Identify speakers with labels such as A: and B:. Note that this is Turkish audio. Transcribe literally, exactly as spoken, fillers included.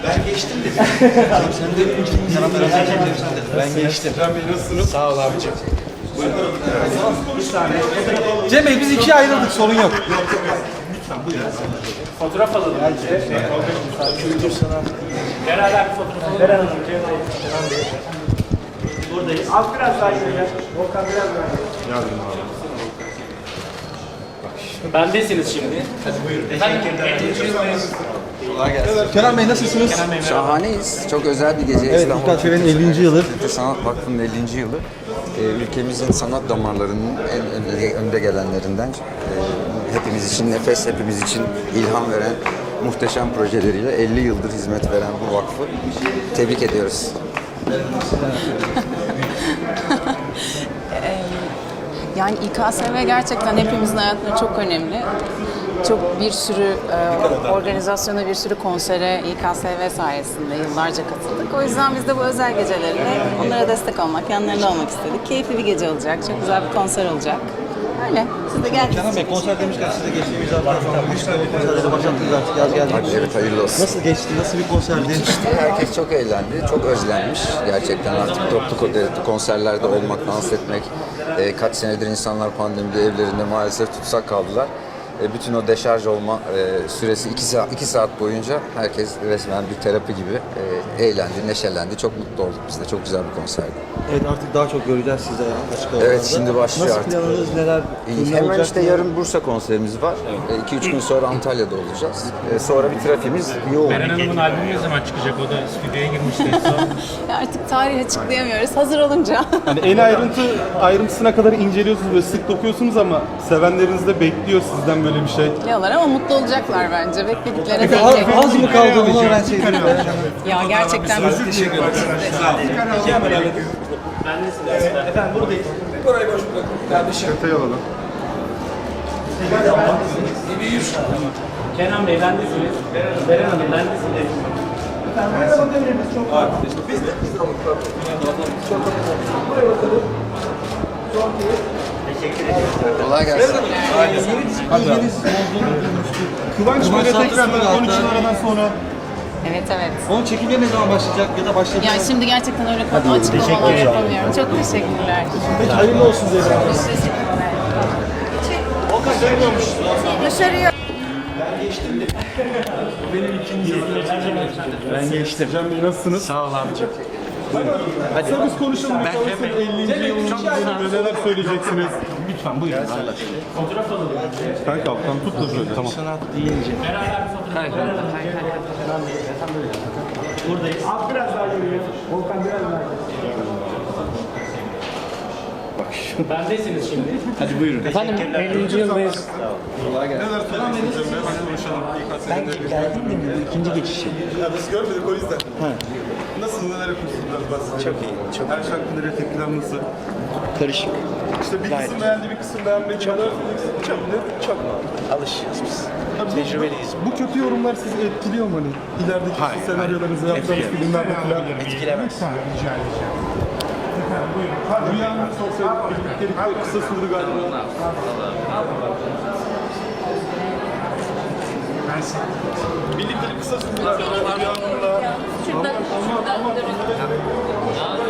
A: Ben geçtim de. Sen de sana beraber geçtim de. Ben geçtim.
B: Cem Bey nasılsınız?
A: Sağ ol abicim.
B: Bir saniye.
A: Cem Bey biz ikiye ayrıldık, sorun yok.
B: Lütfen buyurun.
C: Fotoğraf alalım.
A: Kültür sanat.
C: Beraber bir fotoğraf alalım. Beren Hanım, Cem Bey, Kenan Bey. Buradayız. Az biraz daha ileri. Volkan biraz daha ileri.
B: Yardım abi.
C: Bendesiniz şimdi. Hadi buyurun.
A: Kolay gelsin. Kenan Bey nasılsınız?
D: Şahaneyiz. Çok özel bir gece.
A: Evet,
D: İstanbul
A: İlkan Çevra'nın ellinci yılı.
D: Türk Sanat Vakfı'nın ellinci yılı. Ee, ülkemizin sanat damarlarının en önde, önde gelenlerinden, e, hepimiz için nefes, hepimiz için ilham veren muhteşem projeleriyle elli yıldır hizmet veren bu vakfı tebrik ediyoruz.
E: Yani İ K S V gerçekten hepimizin hayatında çok önemli. Çok bir sürü e, organizasyona, bir sürü konsere İ K S V sayesinde yıllarca katıldık. O yüzden biz de bu özel gecelerinde onlara destek olmak, yanlarında olmak istedik. Keyifli bir gece olacak, çok güzel bir konser olacak. Öyle, siz de geldiniz.
A: Kenan Bey konser demişken siz de geçtiğimiz hafta Mustafa konserleri başlattınız artık, yaz geldi.
D: Hadi evet, hayırlı olsun.
A: Nasıl geçti, nasıl bir konserdi?
D: Herkes çok eğlendi, çok özlenmiş. Gerçekten artık toplu ko- konserlerde olmak, dans etmek. E, kaç senedir insanlar pandemide evlerinde maalesef tutsak kaldılar. E, bütün o deşarj olma e, süresi iki saat, iki saat boyunca herkes resmen bir terapi gibi e, eğlendi, neşelendi. Çok mutlu olduk biz de. Çok güzel bir konserdi.
A: Evet, artık daha çok göreceğiz sizi açık havalarda.
D: Evet, şimdi başlıyor
A: Nasıl
D: artık.
A: planınız, neler?
D: İyi,
A: kimler
D: hemen
A: olacak,
D: işte
A: neler?
D: yarın Bursa konserimiz var. iki üç gün sonra Antalya'da olacağız. E, sonra bir trafiğimiz yoğun.
C: Beren Hanım'ın albümü ne zaman çıkacak? O da stüdyoya girmişti.
E: Ya artık tarih açıklayamıyoruz, hazır olunca.
B: Hani en ayrıntı ayrıntısına kadar inceliyorsunuz ve sık dokuyorsunuz ama sevenleriniz de bekliyor sizden böyle bir şey.
E: Biliyorlar ama mutlu olacaklar bence, beklediklerine
A: Peki, az,
E: değecek.
A: az mı kaldı onu öğrenseydim.
E: Ya gerçekten
A: Teşekkür ederim. Efendim buradayız. Burayı boş bırakın kardeşim.
B: Detay alalım.
C: Kenan Bey, bendesiniz. Beren Hanım, bendesiniz.
A: Biz de biz de alalım.
D: Kolay gelsin.
A: Yeni dizi projeniz olduğunu duymuştuk.
B: Kıvanç böyle
A: Tatlıtuğ
B: tekrardan
A: hatta.
B: on üç yıl aradan sonra
E: Evet evet.
A: Onun çekimleri ne zaman başlayacak ya da başladı?
E: Ya şimdi gerçekten öyle konu açıklamalar yapamıyorum. Çok teşekkürler.
A: Peki hayırlı olsun Zeyra.
E: Teşekkürler.
A: Volkan söylüyormuş.
E: Dışarıya.
A: Ben geçtim.
B: Cem Bey nasılsınız?
A: Sağ ol abicim.
B: Kısa biz konuşalım. Ben ellinci yılın bölümünde neler söyleyeceksiniz? Lütfen buyurun.
C: Fotoğraf alalım.
B: Kanka alttan tut da şöyle. Tamam.
A: Sanat deyince.
C: Beraber bir fotoğraf alalım. Kenan Bey, efendim böyle. Buradayız. Az biraz daha geliyor. Volkan biraz daha geliyor. Bendesiniz şimdi.
A: Hadi buyurun.
C: Efendim, ellinci yıldayız.
A: Kolay gelsin.
B: Neler söyleyeceksiniz Cem Bey? Hadi konuşalım.
A: Ben geldim de bu ikinci geçişim.
B: Ya biz görmedik o yüzden. Nasıl, neler yapıyorsunuz biraz bahsedin.
A: Çok iyi, çok
B: Her şarkının tepkiler nasıl?
A: karışık.
B: İşte bir
A: Gayet
B: kısım beğendi, bir kısım beğenmedi. Çok,
A: Çok çok alışıyoruz biz. Tecrübeliyiz.
B: Bu kötü yorumlar sizi etkiliyor mu hani? İlerideki
A: Hayır,
B: senaryolarınızı
A: hayır.
B: yaptığınız
A: Etkilemiyor.
B: filmlerde falan.
A: Etkilemez.
B: Rica edeceğim. Efendim buyurun. Rüyanın sosyal birliktelikte kısa sürdü galiba. Birliktelik kısa sürdü galiba. Rüyanınla.
E: Şurada, şurada.